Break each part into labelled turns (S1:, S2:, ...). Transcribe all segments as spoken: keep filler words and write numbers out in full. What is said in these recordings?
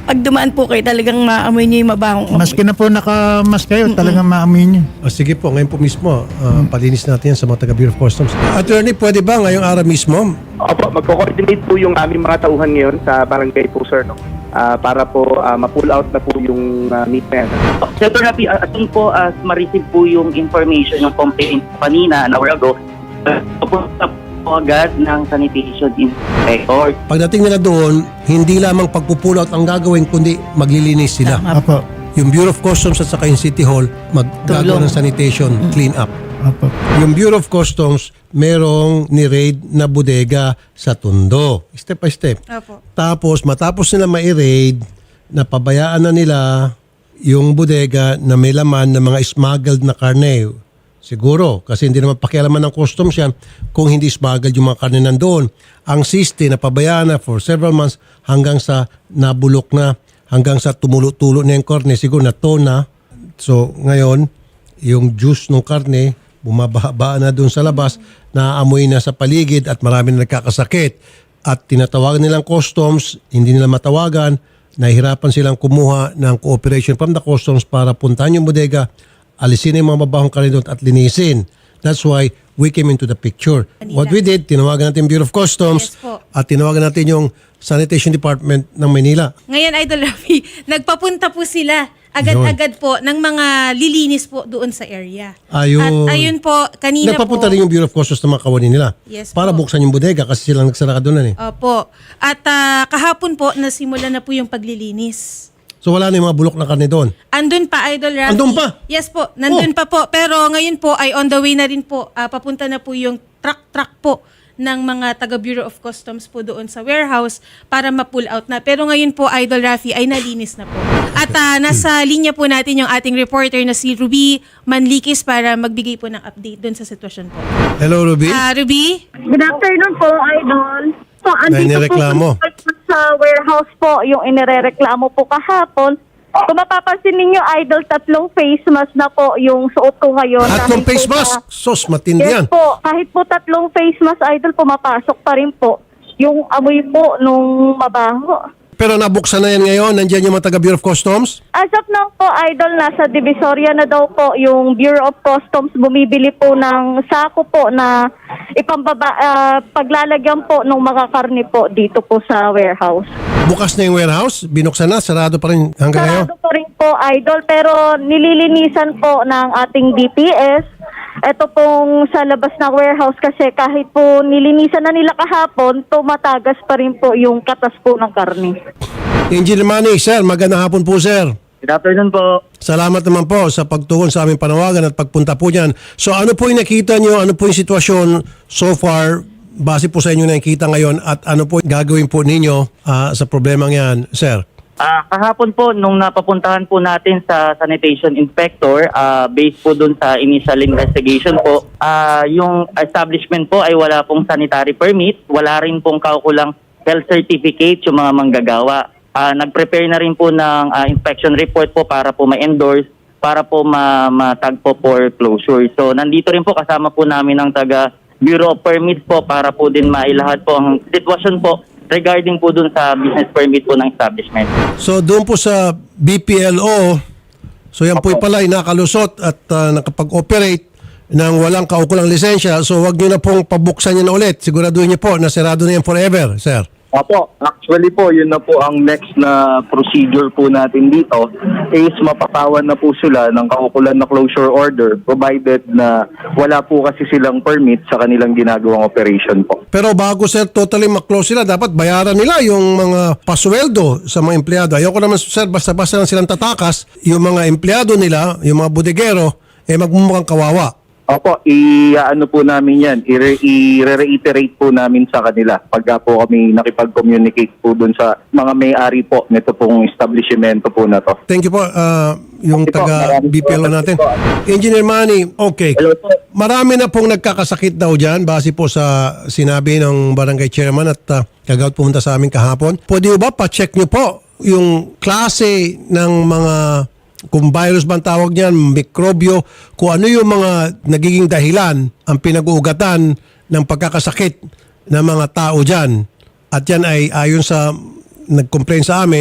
S1: pag dumaan po kayo, talagang maamoy niyo yung mabahong amoy.
S2: Maski na po nakamas kayo, talagang maamoy niyo.
S3: O sige po, ngayon po mismo, uh, palinis natin yan sa mga taga Bureau of Customs. Attorney, pwede ba ngayong araw mismo?
S4: Opo, magko-coordinate po yung aming mga tauhan ngayon sa barangay po, sir, no? Ah, para po ah, ma-pull out na po yung uh, meat na yan.
S5: Senator Rafi, as soon po as ma-receive po yung information, yung complaint kanina, an hour ago, uh, pupunta po agad ng sanitation inspector.
S3: Pagdating nila doon, hindi lamang pagpupull out ang gagawin, kundi maglilinis sila.
S2: Apo.
S3: Yung Bureau of Customs at saka yung City Hall, maggagawa ng sanitation, clean up.
S2: Apo.
S3: Yung Bureau of Customs, merong ni-raid na bodega sa Tondo. Step by step.
S1: Opo.
S3: Tapos, matapos nila ma-raid, napabayaan na nila yung bodega na may laman ng mga smuggled na karne. Siguro, kasi hindi naman pakialaman ng customs yan kung hindi smuggled yung mga karne nandoon. Ang siste, napabayaan na for several months hanggang sa nabulok na, hanggang sa tumulo-tulo na yung karne, siguro na na. So, ngayon, yung juice ng karne, bumababa na doon sa labas, naaamoy na sa paligid at marami na nagkakasakit. At tinatawagan nilang customs, hindi nila matawagan, nahihirapan silang kumuha ng cooperation from the customs para puntahan yung bodega, alisin yung mga mabahong karne doon at linisin. That's why we came into the picture. What we did, tinawagan natin Bureau of Customs
S1: Yes po.
S3: at tinawagan natin yung Sanitation Department ng Manila.
S6: Ngayon, Idol Rafi, nagpapunta po sila agad-agad po ng mga lilinis po doon sa area.
S3: Ayun.
S6: At ayun po, kanina
S3: Nagpapunta
S6: po.
S3: rin yung Bureau of Customs ng mga kawani nila
S6: Yes
S3: para
S6: po.
S3: buksan yung bodega kasi silang nagsara doon eh.
S6: Opo. At ah, kahapon po, nasimula na po yung paglilinis.
S3: So wala na yung mga bulok na karne doon.
S6: Andun pa, Idol Rafi.
S3: Andun pa?
S6: Yes po, nandun
S3: Oh.
S6: pa po. Pero ngayon po ay on the way na rin po. Ah, papunta na po yung truck-truck po ng mga taga Bureau of Customs po doon sa warehouse para ma-pull out na. Pero ngayon po, Idol Rafi, ay nalinis na po. At ah, nasa linya po natin yung ating reporter na si Ruby Manlikis para magbigay po ng update doon sa sitwasyon po.
S3: Hello, Ruby.
S6: Ah, Ruby?
S7: Good afternoon po, Idol. So,
S3: Na
S7: andito
S3: inireklamo.
S7: po sa warehouse po yung inirereklamo po kahapon. Kung mapapansin ninyo, Idol, tatlong face mask na po yung suot ko ngayon.
S3: Tatlong
S7: Dahil
S3: face
S7: po
S3: mask.
S7: sa-
S3: Sos, matindi
S7: Yes
S3: yan.
S7: po. Kahit po tatlong face mask, Idol, pumapasok pa rin po yung amoy po nung mabaho.
S3: Pero nabuksan na yan ngayon. Nandiyan yung mga taga Bureau of Customs.
S7: As of now po, Idol, nasa Divisoria na daw po yung Bureau of Customs bumibili po ng sako po na ipambaba, ah, paglalagyan po ng mga karne po dito po sa warehouse.
S3: Bukas na yung warehouse. Binuksan na. Sarado pa rin hanggang ngayon.
S7: Sarado po rin po, Idol, pero nililinisan po ng ating D P S. Ito pong sa labas ng warehouse kasi kahit po nilinisan na nila kahapon, tumatagas pa rin po yung katas po ng karne.
S3: Engineer Manny, sir. Magandang hapon po, sir.
S5: Good afternoon po.
S3: Salamat naman po sa pagtugon sa aming panawagan at pagpunta po dyan. So ano po yung nakita nyo? Ano po yung sitwasyon so far base po sa inyo nakikita ngayon at ano po gagawin po ninyo ah, sa problemang yan, sir?
S5: Ah, kahapon po, nung napapuntahan po natin sa sanitation inspector, ah, based po dun sa initial investigation po, ah, yung establishment po ay wala pong sanitary permit, wala rin pong kaukulang health certificate yung mga manggagawa. Ah, nag-prepare na rin po ng ah, inspection report po para po ma-endorse, para po ma- matag po for closure. So nandito rin po kasama po namin ang taga Bureau of Permits po para po din mailahad po ang sitwasyon po regarding po dun sa business permit po ng establishment.
S3: So doon po sa B P L O, so yan po pala ay nakalusot at ah, nakapag-operate ng walang kaukulang lisensya. So wag nyo na pong pabuksan yan ulit. Siguraduhin nyo po na sarado na yan forever, sir.
S4: Opo, actually po, yun na po ang next na procedure po natin dito is mapatawan na po sila ng kaukulan na closure order provided na wala po kasi silang permit sa kanilang ginagawang operation po.
S3: Pero bago sir totally maklose sila, dapat bayaran nila yung mga pasweldo sa mga empleyado. Ayoko naman sir, basta-basta lang silang tatakas, yung mga empleyado nila, yung mga bodegero, eh magmumukhang kawawa.
S4: Opo, i-ano po namin yan, i- i-reiterate po namin sa kanila pagka po kami nakipag-communicate po dun sa mga may-ari po nito pong establishmento po na to.
S3: Thank you po, ah, yung
S4: Thank you po.
S3: taga
S4: Maraming
S3: B P L O natin.
S4: salamat po.
S3: Engineer Manny, okay.
S4: Hello po.
S3: Marami na pong nagkakasakit daw dyan base po sa sinabi ng barangay chairman at uh, kagawad pumunta sa amin kahapon. Pwede ba pa-check nyo po yung klase ng mga, kung virus ba ang tawag niyan, mikrobyo, kung ano yung mga nagiging dahilan ang pinag-uugatan ng pagkakasakit ng mga tao dyan. At yan ay ayon sa nag-complain sa amin,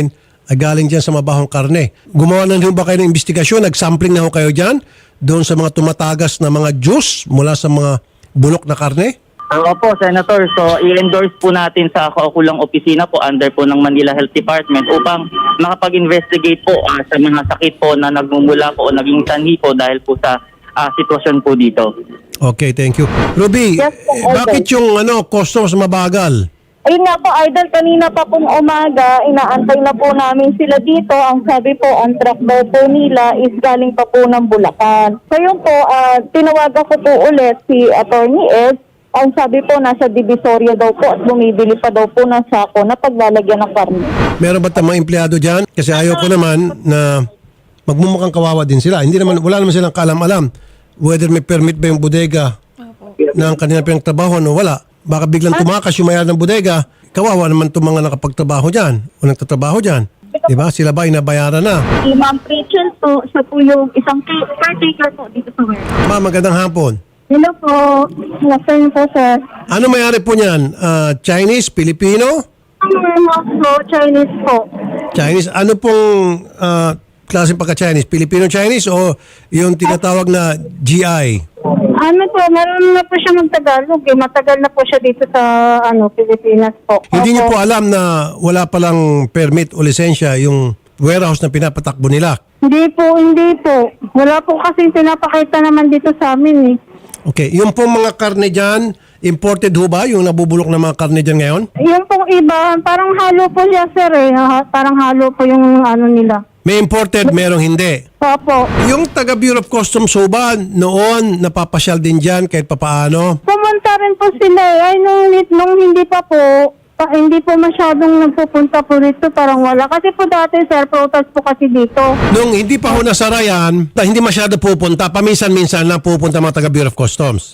S3: ay galing dyan sa mabahong karne. Gumawa na rin ba kayo ng investigasyon? Nag-sampling na ho kayo dyan doon sa mga tumatagas na mga juice mula sa mga bulok na karne?
S5: Opo, Senator. So, i-endorse po natin sa kaukulang opisina po under po ng Manila Health Department upang makapag-investigate po ah, sa mga sakit po na nagmumula po o naging sanhi po dahil po sa ah, sitwasyon po dito.
S3: Okay, thank you. Ruby,
S7: Yes, po,
S3: eh, bakit yung ano, customers mabagal?
S7: Ayun nga po, Idol, kanina pa pong umaga, inaantay na po namin sila dito. Ang sabi po, ang truck daw po nila is galing pa po ng Bulacan. So yun po, uh, tinawagan ko po ulit si Attorney Ed. Ang sabi po, nasa Divisoria daw po at bumibili pa daw po ng sako na paglalagyan ng karne.
S3: Meron ba tayong mga empleyado dyan? Kasi ayaw ko naman na magmumukhang kawawa din sila. Hindi naman, wala naman silang kaalam-alam whether may permit ba yung bodega ng kanilang pinagtrabaho o wala. Baka biglang tumakas yung mayari ng bodega, kawawa naman itong mga nakapagtrabaho dyan o nagtatrabaho dyan. Diba? Sila ba inabayaran na?
S7: Si Ma'am Rachel po, siya po yung isang caretaker po dito sa warehouse.
S3: Ma, magandang hapon.
S7: Hello po. Nasaan po, sir?
S3: Ano mayari po niyan? Ah, Chinese? Filipino?
S7: Ang warehouse po, Chinese po.
S3: Chinese? Ano pong ah, klase pagka-Chinese? Filipino-Chinese o yung tinatawag na G I?
S7: Ano po, meron na po siya mag-Tagalog eh. Matagal na po siya dito sa ano Pilipinas po.
S3: Hindi niyo
S7: Opo.
S3: po alam na wala palang permit o lisensya yung warehouse na pinapatakbo nila?
S7: Hindi po, hindi po. Wala po kasi pinapakita naman dito sa amin eh.
S3: Okay. Yung pong mga karne dyan, imported ho ba yung nabubulok na mga karne dyan ngayon?
S7: Yung pong iba, parang halo po siya, sir eh. Ha- Parang halo po yung ano nila.
S3: May imported, merong hindi.
S7: Opo.
S3: Yung taga Bureau of Customs ho ba noon napapasyal din dyan kahit papaano?
S7: Pumunta rin po sila eh. Ay, nung, nung hindi pa po, pa, hindi po masyadong nagpupunta po dito. Parang wala. Kasi po dati, sir, protest po kasi dito.
S3: Nung hindi pa ho nasara yan, hindi masyado pupunta, paminsan-minsan lang pupunta mga taga Bureau of Customs.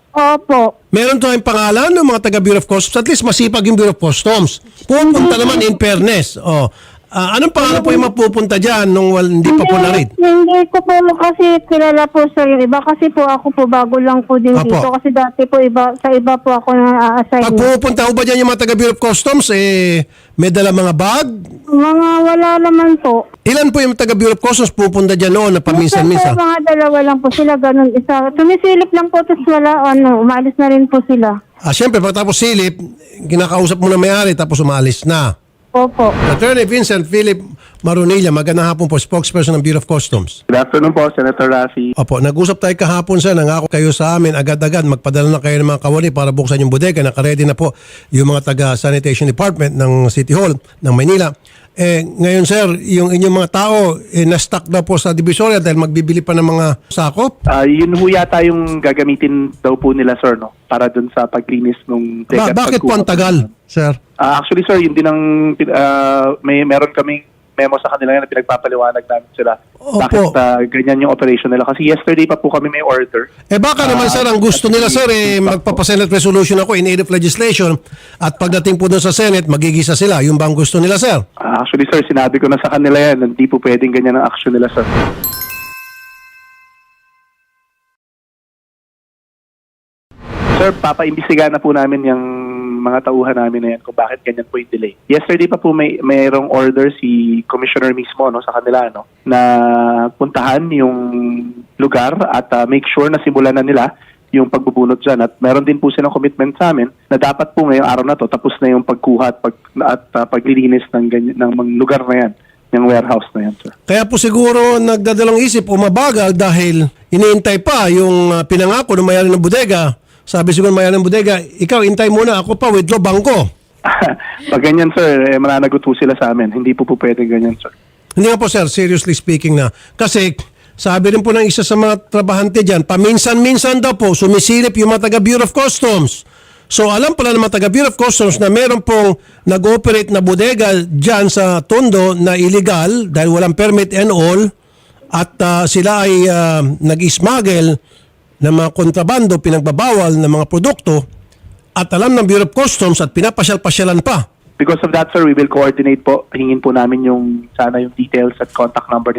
S7: Opo.
S3: Meron tayong pangalan ng mga taga Bureau of Customs, at least masipag yung Bureau of Customs. Pupunta naman in fairness. Oh. Ah, anong pangalan po yung mapupunta dyan nung wal, hindi pa po na-read?
S7: Hindi ko po kasi kilala po sa yung iba. Kasi po ako po bago lang po din
S3: Apo.
S7: dito. Kasi dati po iba, sa iba po ako na-assign.
S3: Pag pupunta ho ba dyan yung mga taga Bureau of Customs, eh, may dala mga bag?
S7: Mga wala naman po.
S3: Ilan po yung taga Bureau of Customs pupunta dyan noon na paminsan-minsan?
S7: Minsan po, mga dalawa lang po sila, ganun isa. Tumisilip lang po, tapos wala, ano, umalis na rin po sila.
S3: Ah, siyempre, pagkatapos silip, kinakausap mo na may-ari tapos umalis na.
S7: Opo.
S3: Attorney Vincent Philip Marunilla, magandang hapon po, spokesperson ng Bureau of Customs.
S8: Good afternoon po, Senator Rafi.
S3: Opo, nag-usap tayo kahapon sa nangako kayo sa amin agad-agad, magpadala na kayo ng mga kawani para buksan yung bodega. Nakaredy na po yung mga taga-sanitation department ng City Hall ng Maynila. Eh, ngayon sir, yung inyong mga tao, eh, na-stuck na po sa Divisoria dahil magbibili pa ng mga sakop.
S8: Ah, yun ho yata yung gagamitin daw po nila, sir, no? Para dun sa paglinis nung...
S3: Ba- bakit po ang tagal, sir?
S8: Ah, actually, sir, yun din ang... ah, may meron kaming memo sa kanila na pinagpapaliwanag namin sila.
S3: Opo.
S8: Bakit ah, ganyan yung operation nila. Kasi yesterday pa po kami may order.
S3: Eh baka naman sir, ang gusto nila sir, eh, magpapasenate resolution ako in aid of legislation at pagdating po doon sa Senate, magigisa sila. Yung bang gusto nila sir?
S8: Ah, actually, sir, sinabi ko na sa kanila yan. Hindi po pwedeng ganyan ang action nila, sir. Sir, papaimbestigahan na po namin yung mga tauhan namin na yan kung bakit ganyan po yung delay. Yesterday pa po may mayroong order si Commissioner mismo no sa kanila no na puntahan yung lugar at uh, make sure na simulan na nila yung pagbubunot dyan. At meron din po silang commitment sa amin na dapat po ngayong araw na to tapos na yung pagkuha at, pag, at uh, paglilinis ng, ganyan, ng mga lugar na yan, yung warehouse na yan, sir.
S3: Kaya po siguro nagdadalang isip o mabagal dahil iniintay pa yung uh, pinangako ng mayari ng bodega. Sabi siguro mayari ng bodega, ikaw intay muna, ako pa withdraw bangko.
S8: Pag ganyan, sir, eh, mananagot po sila sa amin. Hindi po po pwede ganyan, sir.
S3: Hindi nga po sir, seriously speaking na. Kasi sabi rin po ng isa sa mga trabahante dyan, paminsan-minsan daw po sumisilip yung mga taga Bureau of Customs. So alam pala ng mga taga Bureau of Customs na meron pong nag-operate na bodega dyan sa Tondo na illegal dahil walang permit and all at uh, sila ay uh, nag-smuggle ng mga kontrabando, pinagbabawal ng mga produkto at alam ng Bureau of Customs at pinapasyal-pasyalan pa.
S8: Because of that, sir, we will coordinate po. Hingin po namin yung sana yung details at contact number ni ma'am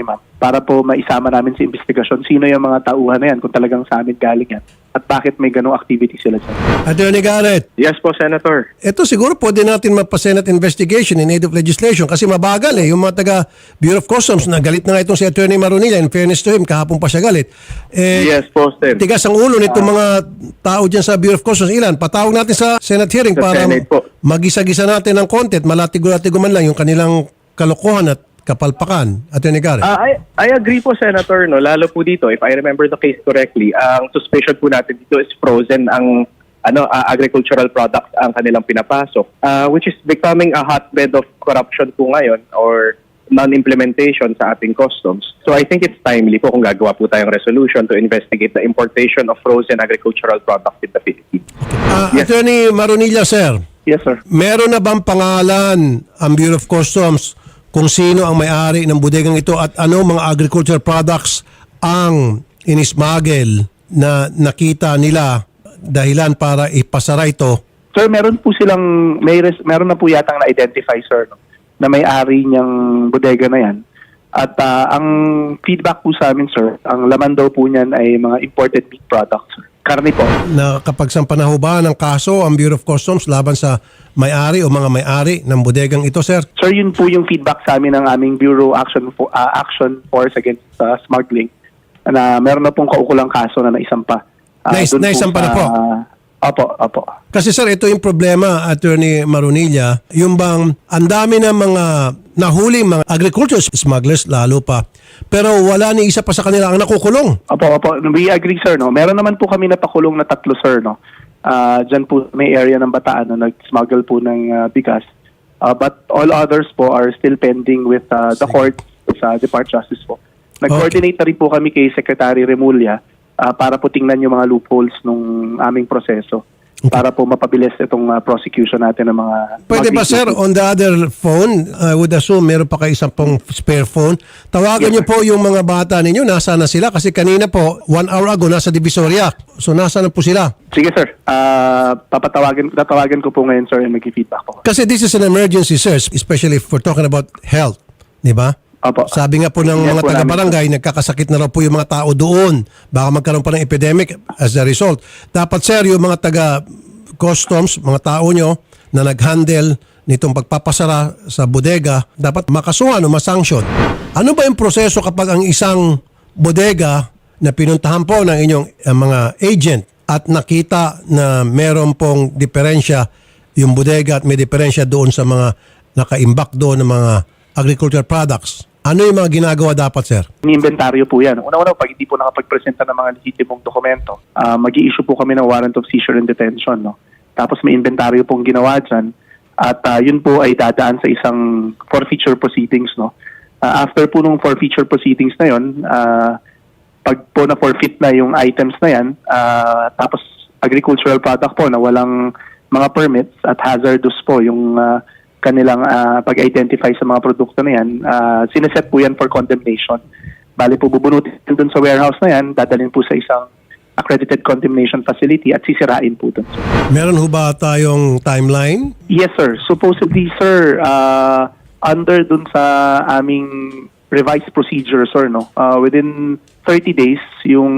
S8: para po maisama namin sa investigasyon sino yung mga tauhan na yan kung talagang sa amin galing yan at bakit may ganong activity sila dyan.
S3: Attorney Garrett,
S4: Yes po, Senator.
S3: ito siguro pwede natin magpa-Senate investigation in aid of legislation kasi mabagal eh. Yung mga taga Bureau of Customs na galit na nga itong si Attorney Maronilla, in fairness to him, kahapon pa siya galit. Eh,
S4: Yes po, Sen.
S3: tigas ang ulo nitong mga tao dyan sa Bureau of Customs. Ilan? Patawag natin sa Senate hearing
S4: Sa
S3: para
S4: Senate po.
S3: magisa-gisa natin ng content, malatigo-latigo man lang yung kanilang kalokohan at kapalpakan. Attorney Garrett.
S4: Ah, I, I agree po, Senator. No? Lalo po dito, if I remember the case correctly, ang suspicion po natin dito is frozen ang ano ah, agricultural products ang kanilang pinapasok, ah, which is becoming a hotbed of corruption po ngayon or non-implementation sa ating customs. So I think it's timely po kung gagawa po tayong resolution to investigate the importation of frozen agricultural products in the Philippines.
S3: Ah, Attorney Maronilla, sir.
S8: Yes, sir.
S3: Meron na bang pangalan ang Bureau of Customs kung sino ang may-ari ng bodegang ito at ano mga agricultural products ang inismagel na nakita nila dahilan para ipasara ito?
S8: Sir, meron po silang, may res, meron na po yatang na-identify, sir, no, na may-ari niyang bodega na yan. At ah, ang feedback po sa amin, sir, ang laman daw po niyan ay mga imported meat products, sir. Karne po.
S3: Nakapagsampa na ho ba ng kaso ang Bureau of Customs laban sa may-ari o mga may-ari ng bodegang ito, sir?
S8: Sir, yun po yung feedback sa amin ng aming Bureau Action Fo- ah, Action Force Against ah, Smuggling na meron na pong kaukulang kaso na naisampa. Ah,
S3: Nais-
S8: dun
S3: naisampa na
S8: sa-
S3: po?
S8: Opo, opo.
S3: Kasi sir, ito yung problema, Attorney Maronilla, yung bang ang dami ng mga nahuli mga agriculture smugglers lalo pa, pero wala ni isa pa sa kanila ang nakukulong.
S8: Opo, opo. We agree, sir. No? Meron naman po kami napakulong na tatlo, sir. No? Uh, Diyan po may area ng Bataan na nag-smuggle po ng uh, bigas. Uh, but all others po are still pending with uh, the court sa Department of Justice po. Nag-coordinate na rin po kami kay Secretary Remulla uh, para po tingnan yung mga loopholes nung aming proseso para po mapabilis itong uh, prosecution natin ng mga...
S3: Pwede
S8: mga
S3: ba sir,
S8: victims.
S3: on the other phone, I would assume meron pa kayo isang pong spare phone, tawagan
S8: Yes,
S3: niyo po yung mga bata ninyo, nasa na sila? Kasi kanina po, one hour ago, nasa Divisoria. So nasa na po sila?
S8: Sige, sir. Uh, papatawagan, tatawagan ko po ngayon, sir, yung mag-feedback po.
S3: Kasi this is an emergency, sir, especially if we're talking about health. Di ba?
S8: Opo.
S3: Sabi nga po ng
S8: Yan
S3: mga
S8: po
S3: taga-barangay, nagkakasakit na raw po yung mga tao doon. Baka magkaroon pa ng epidemic as a result. Dapat, sir, yung mga taga-customs, mga tao nyo na nag-handle nitong pagpapasara sa bodega, dapat makasuhan o masanction. Ano ba yung proseso kapag ang isang bodega na pinuntahan po ng inyong uh, mga agent at nakita na meron pong diferensya yung bodega at may diferensya doon sa mga nakaimbak doon ng mga agricultural products? Ano yung mga ginagawa dapat, sir?
S8: Ni-inventaryo po yan. Una-una, pag hindi po nakapag-presenta ng mga legitimong dokumento, uh, mag-i-issue po kami ng warrant of seizure and detention. No? Tapos may inventaryo pong ginawa dyan. At uh, yun po ay dadaan sa isang forfeiture proceedings. No? Uh, after po nung forfeiture proceedings na yun, uh, pag po na-forfeit na yung items na yan, uh, tapos agricultural product po na walang mga permits at hazardous po yung uh, kanilang uh, pag-identify sa mga produkto na yan, uh, sineset po yan for condemnation. Bali po bubunutin dun sa warehouse na yan, dadalhin po sa isang accredited condemnation facility at sisirain po dun.
S3: Meron ho ba tayong timeline?
S8: Yes, sir. Supposedly, sir, uh, under dun sa aming revised procedure, sir, no? Uh, within thirty days, yung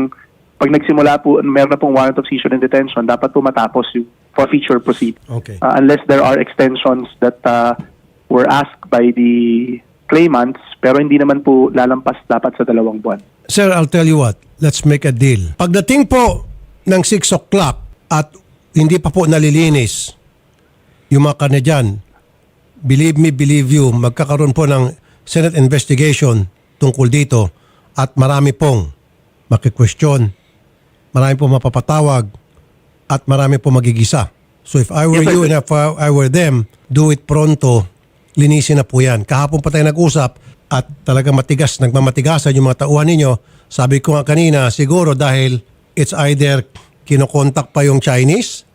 S8: pag nagsimula po, meron na pong warrant of seizure and detention, dapat po matapos yung forfeiture proceed.
S3: Okay.
S8: Uh, unless there are extensions that uh, were asked by the claimants, pero hindi naman po lalampas dapat sa dalawang buwan.
S3: Sir, I'll tell you what. Let's make a deal. Pagdating po ng six o'clock at hindi pa po nalilinis yung mga karne dyan, believe me, believe you, magkakaroon po ng Senate investigation tungkol dito at marami pong makikwestiyon, marami pong mapapatawag at marami pong magigisa. So if I were
S8: Yes, sir.
S3: you and if I were them, do it pronto, linisin na po yan. Kahapon pa tayo nag-usap at talagang matigas, nagmamatigasan yung mga tauhan ninyo. Sabi ko nga kanina, siguro dahil it's either kinokontak pa yung Chinese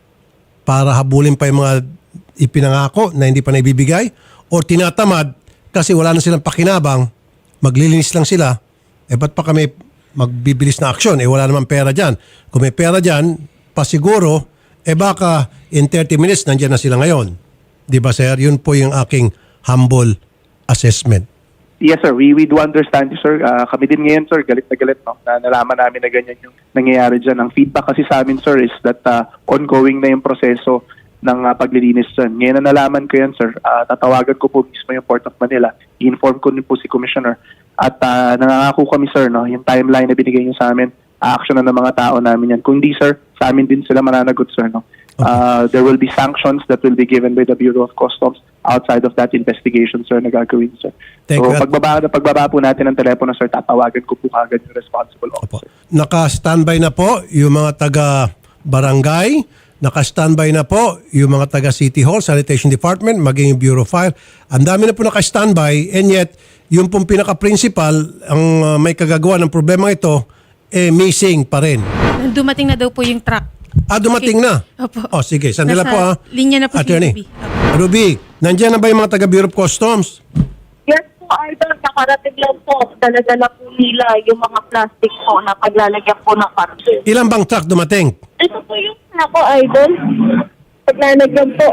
S3: para habulin pa yung mga ipinangako na hindi pa naibibigay o tinatamad kasi wala na silang pakinabang, maglilinis lang sila, eh ba't pa kami magbibilis na aksyon? Eh wala naman pera dyan. Kung may pera dyan, pasiguro, eh baka in thirty minutes nandiyan na sila ngayon. Di ba sir? Yun po yung aking humble assessment.
S8: Yes, sir. We we do understand you, sir. Ah, kami din ngayon, sir, galit na galit, no? Na nalaman namin na ganyan yung nangyayari dyan. Ang feedback kasi sa amin, sir, is that ah, ongoing na yung proseso ng ah, paglilinis dyan. Ngayon na nalaman ko yan, sir. Ah, tatawagan ko po mismo yung Port of Manila. I-inform ko din po si Commissioner. At ah, nangangako kami, sir, no? Yung timeline na binigay niyo sa amin, a-action na ng mga tao namin yan. Kung di, sir, sa amin din sila mananagot, sir, no? Uh, there will be sanctions that will be given by the Bureau of Customs outside of that investigation, sir, na gagawin, sir.
S3: Thank
S8: so,
S3: you.
S8: pagbaba, pagbaba po natin ng telepono, sir, tatawagan ko po kagad yung responsible
S3: Opo.
S8: officer.
S3: Naka-standby na po yung mga taga-barangay, naka-standby na po yung mga taga-City Hall, Sanitation Department, maging yung Bureau of Fire. Ang dami na po naka-standby, and yet, yung pong pinaka-principal, ang uh, may kagagawa ng problema ito, eh, missing pa rin.
S6: Dumating na daw po yung truck.
S3: Ah, dumating na?
S6: Opo.
S3: Oh, sige. Sandila
S6: Nasa
S3: po, ha?
S6: linya na po si
S3: Attorney.
S6: Ruby.
S3: Ruby, nandiyan na ba yung mga taga-Bureau of Customs?
S7: Yes po, Idol. Nakarating lang po. Daladala po nila yung mga plastic po na paglalagyan po ng karton.
S3: Ilan bang truck dumating?
S7: Ito po yung ako, Idol. Paglalagyan po.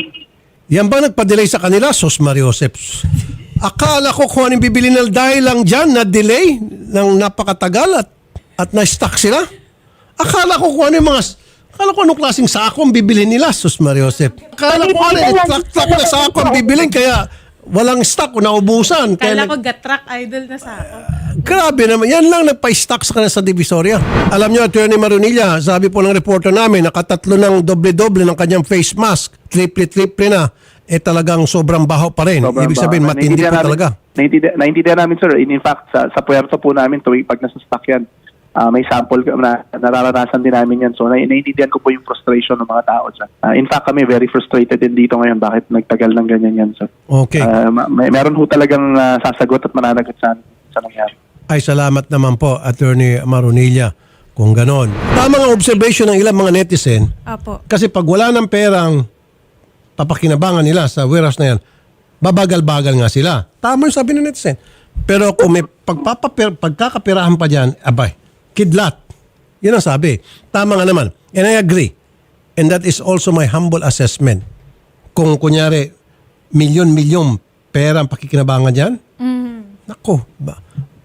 S3: Yan ba nagpa-delay sa kanila? Sos Mariosep. Akala ko kung anong bibili nila dahil lang dyan na delay ng napakatagal at, at na-stuck sila. Akala ko kung ano yung mga... Akala ko anong klaseng sako ang bibilhin nila, Sus Mariosep. Akala ko ano yung truck-truck na sako ang bibilhin kaya walang stock o naubusan.
S6: Kala
S3: Kaya
S6: ko
S3: nag-
S6: gat-truck idol na sa ako.
S3: Grabe naman. Yan lang nagpa-stock sa kanila sa Divisoria. Alam nyo, Attorney Marunilla, sabi po ng reporter namin, nakatatlo ng doble-doble ng kanyang face mask. Triple-triple na. Eh talagang sobrang baho pa rin.
S8: Sobrang
S3: Ibig sabihin,
S8: baka.
S3: matindi
S8: Naintindihan
S3: po
S8: namin-
S3: talaga.
S8: Naintindihan, naintindihan namin, sir. In, in fact, sa, sa puerto po namin, tuwing pag nasa stock yan, ah, may sample na nararanasan din namin yan. So, na, naiintindihan ko po yung frustration ng mga tao dyan. Ah, in fact, kami very frustrated din dito ngayon. Bakit nagtagal ng ganyan yan, sir?
S3: Okay.
S8: Ah, ma- may, meron ho talagang ah, sasagot at mananagot sa, sa nangyari.
S3: Ay, salamat naman po, Attorney Marunilla, kung ganon. Tama nga observation ng ilang mga netizen,
S6: Apo.
S3: kasi pag wala ng perang papakinabangan nila sa warehouse na yan, babagal-bagal nga sila. Tama yung sabi ng netizen. Pero kung may pagpapaper, pagkakapirahan pa dyan, abay, kidlat. Yun ang sabi. Tama nga naman. And I agree. And that is also my humble assessment. Kung kunyari, milyon-milyon pera ang pakikinabangan dyan, nako, ba,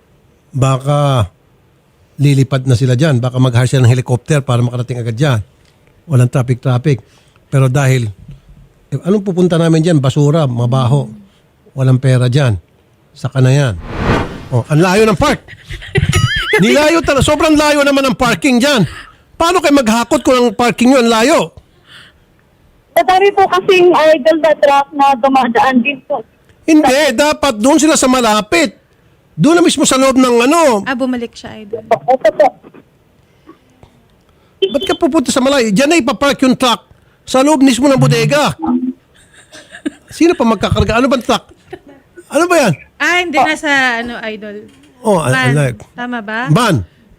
S3: baka lilipad na sila dyan. Baka mag-hire sila ng helicopter para makarating agad dyan. Walang traffic-traffic. Pero dahil, eh, anong pupunta namin dyan? Basura, mabaho. Walang pera dyan. Saka na yan. Oh, ang layo ng park. Nilayo talaga. Sobrang layo naman ang parking dyan. Paano kayo maghakot kung ang parking nyo ang layo?
S7: Madami po kasing idol na truck na dumadaan din po.
S3: Hindi. Dapat doon sila sa malapit. Doon na mismo sa loob ng ano.
S6: Ah, bumalik siya idol.
S7: Ito po.
S3: Ba't ka pupunta sa malayo? Diyan na ipapark yung truck sa loob mismo ng bodega. Sino pa magkakarga? Ano bang truck? Ano ba yan?
S6: Ah, hindi na sa ano idol.
S3: Oh, I, I
S6: Van.
S3: like.
S6: Tama ba?
S3: Ban.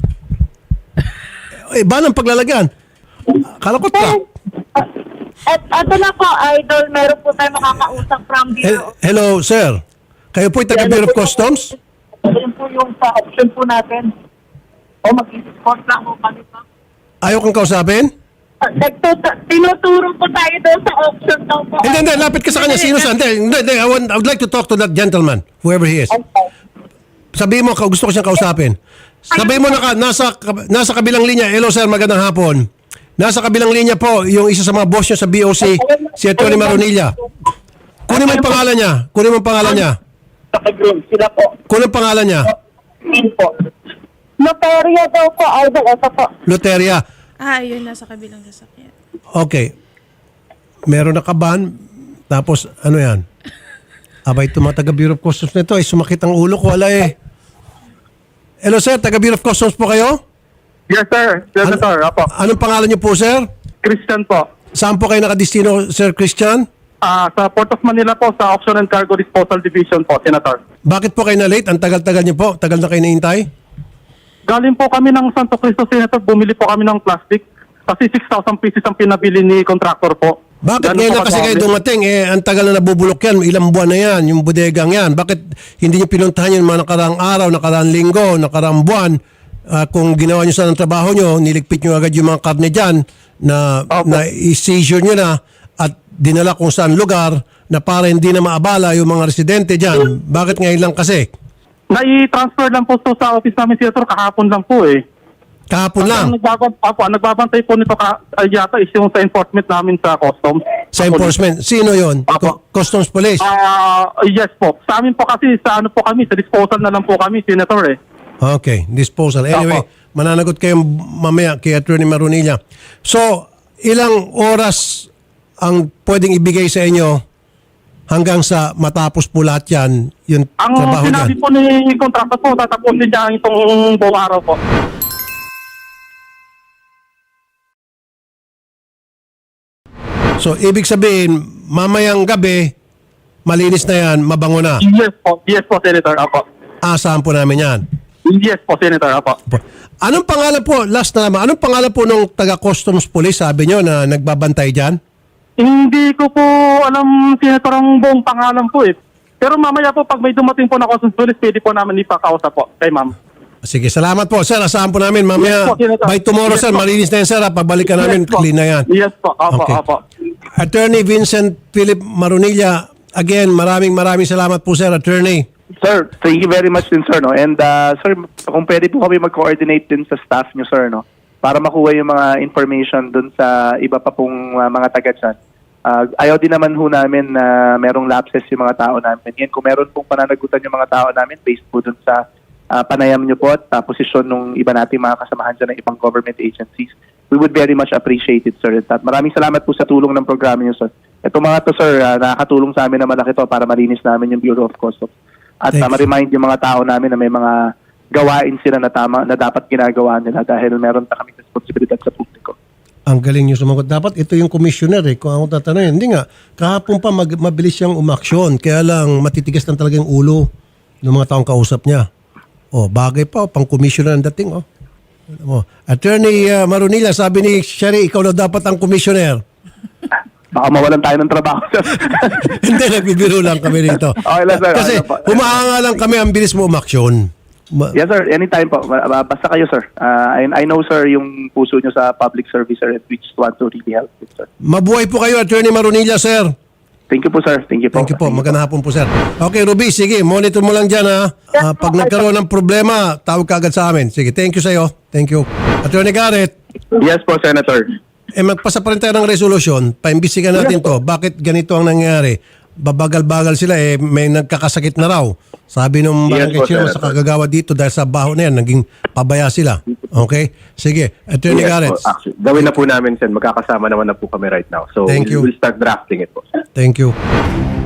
S3: Eh, ban ang paglalagyan. Kala ko truck.
S7: At ito na po, idol, meron po tayo makakausap from
S3: Hel-
S7: Bureau.
S3: Hello, sir. Kayo po'y taga Bureau of Customs?
S7: Yan po yung sa option po natin. O mag-support lang po kami po.
S3: Ayaw kang kausapin?
S7: Nagtutu- tinuturo po tayo doon sa option daw po.
S3: Hindi, hindi. Lapit ka sa kanya. Sino sa? Hindi, hindi. hindi. I, want, I would like to talk to that gentleman, whoever he is. Sabihin mo, ka- gusto ko siyang kausapin. Sabihin mo, naka, nasa, nasa kabilang linya. Hello, sir. Magandang hapon. Nasa kabilang linya po, yung isa sa mga boss nyo sa B O C, si Atty. Marunilla. Kunin mo yung pangalan niya. Kunin mo yung pangalan niya.
S7: Sa Kagrum, sila po.
S3: Kunin yung pangalan niya.
S7: Min po. Notarya daw po, idol. Ito po.
S3: Luteria.
S6: Ah, ayun na sa kabilang sasakyan.
S3: Okay. Meron na kaban. Tapos, ano yan? Abay, itong mga taga-Bureau of Customs na ito, ay sumakit ang ulo ko. Wala eh. Hello, sir. Taga-Bureau of Customs po kayo?
S9: Yes, sir. Senator,
S3: Ano-
S9: apo.
S3: Anong pangalan niyo po, sir?
S9: Christian po.
S3: Saan po kayo nakadistino, Sir Christian?
S9: Ah, sa Port of Manila po, sa Auction and Cargo Disposal Division po, Senator.
S3: Bakit po kayo na-late? Ang tagal-tagal niyo po. Tagal na kayo naintay?
S9: Galing po kami ng Santo Cristo, Senator. Bumili po kami ng plastic. Kasi six thousand pieces ang pinabili ni contractor po.
S3: Bakit
S9: Ganun
S3: ngayon
S9: po
S3: na kasi kayo
S9: kadami.
S3: dumating? Eh, ang tagal na nabubulok yan. Ilang buwan na yan. Yung bodegang yan. Bakit hindi niyo pinuntahan yung mga nakaraang araw, nakaraang linggo, nakaraang buwan? Ah, kung ginawa niyo sa ng trabaho niyo, niligpit niyo agad yung mga karne dyan na,
S9: Opo.
S3: na i-seizure niyo na at dinala kung saan lugar na para hindi na maabala yung mga residente dyan. Bakit ngayon lang kasi?
S9: Nai-transfer lang po to sa office namin, Senator, kahapon lang po eh.
S3: Kahapon lang.
S9: Ang nagbabant, apo, ang nagbabantay po nito ka, ay yata is yung sa enforcement namin sa customs.
S3: Sa enforcement. Sino yon?
S9: Apo.
S3: Customs Police.
S9: Ah, yes po. Sa amin po kasi, sa ano po kami, sa disposal na lang po kami, Senator eh.
S3: Okay, disposal. Anyway,
S9: Apo.
S3: mananagot kayo mamaya kay Attorney Marunilla. So, ilang oras ang pwedeng ibigay sa inyo hanggang sa matapos po lahat yan, yung
S9: Ang
S3: trabaho
S9: sinabi
S3: dyan?
S9: po ni kontrata po, tatapusin niya itong buong araw po.
S3: So, ibig sabihin, mamayang gabi, malinis na yan, mabango na.
S9: Yes po, yes po, Senator, apo.
S3: Asahan po namin yan.
S9: Yes po, Senator, apo.
S3: Anong pangalan po, last na naman, anong pangalan po nung taga-customs police, sabi nyo, na nagbabantay dyan?
S9: Hindi ko po alam, Senator, ang buong pangalan po eh. Pero mamaya po, pag may dumating po na customs police, pwede po namin ipakausap po kay ma'am.
S3: Sige, salamat po, sir. Asahan po namin, mamaya,
S9: Yes po, Senator.
S3: by tomorrow,
S9: Yes
S3: sir,
S9: po.
S3: malinis na yan, sir. Pabalikan namin,
S9: Yes po.
S3: clean na yan.
S9: Yes po, apo,
S3: Okay.
S9: apo.
S3: Attorney Vincent Philip Marunilla, again, maraming maraming salamat po, sir, Attorney.
S8: Sir, thank you very much din, sir. No? And uh, sir, kung pwede po kami mag-coordinate din sa staff nyo, sir, no? Para makuha yung mga information dun sa iba pa pong uh, mga taga dyan. Uh, ayaw din naman ho namin na merong lapses yung mga tao namin. Yan, kung meron pong pananagutan yung mga tao namin based po dun sa uh, panayam nyo po at uh, posisyon ng iba nating mga kasamahan dyan ng ibang government agencies, we would very much appreciate it, sir. At maraming salamat po sa tulong ng programa nyo, sir. Ito mga to, sir, uh, nakakatulong sa amin na malaki to para malinis namin yung Bureau of Customs. At uh,
S3: Thanks.
S8: ma-remind yung mga tao namin na may mga gawain sila na tama na dapat ginagawa nila dahil meron pa kaming responsibilidad sa publiko.
S3: Ang galing nyo sumagot. Dapat ito yung commissioner eh. Kung ako tatanungin, hindi nga. Kahapon pa mag- mabilis siyang umaksyon. Kaya lang matitigas lang talaga yung ulo ng mga taong kausap niya. Oh, bagay pa. Oh, pang commissioner ang dating. Oh. Oh. Attorney uh, Marunilla, sabi ni Sherry, ikaw na dapat ang commissioner.
S8: Baka mawalan tayo ng trabaho, sir.
S3: Hindi, nagbibiro lang kami rito.
S8: Okay lang, sir.
S3: Kasi
S8: Okay lang po.
S3: humahanga lang kami, ang bilis mo umaksyon. Ma-
S8: Yes, sir. Anytime po. Ba- Basta kayo, sir. Uh, I, I know, sir, yung puso nyo sa public service, sir, and we just want to really help it, sir.
S3: Mabuhay po kayo, Attorney Marunilla, sir.
S8: Thank you po, sir. Thank you po.
S3: Thank you po. Magandang hapon po, sir. Okay, Ruby, sige. Monitor mo lang dyan, ha. Ah, pag nagkaroon ng problema, tawag ka agad sa amin. Sige, thank you sa'yo. Thank you. Attorney Garrett,
S8: Yes po, Senator.
S3: eh magpasa pa rin tayo ng resolusyon. Paimbisigan natin to. Bakit ganito ang nangyari? Babagal-bagal sila, eh, may nagkakasakit na raw. Sabi nung
S8: Yes
S3: barangay
S8: po,
S3: chairman sa
S8: Senator.
S3: kagagawa dito dahil sa baho na yan, naging pabaya sila. Okay? Sige. Attorney Garrett,
S10: Actually, gawin na po namin, Sen. Magkakasama naman na po kami right now. So,
S3: Thank you.
S10: we'll start drafting it po.
S3: thank you.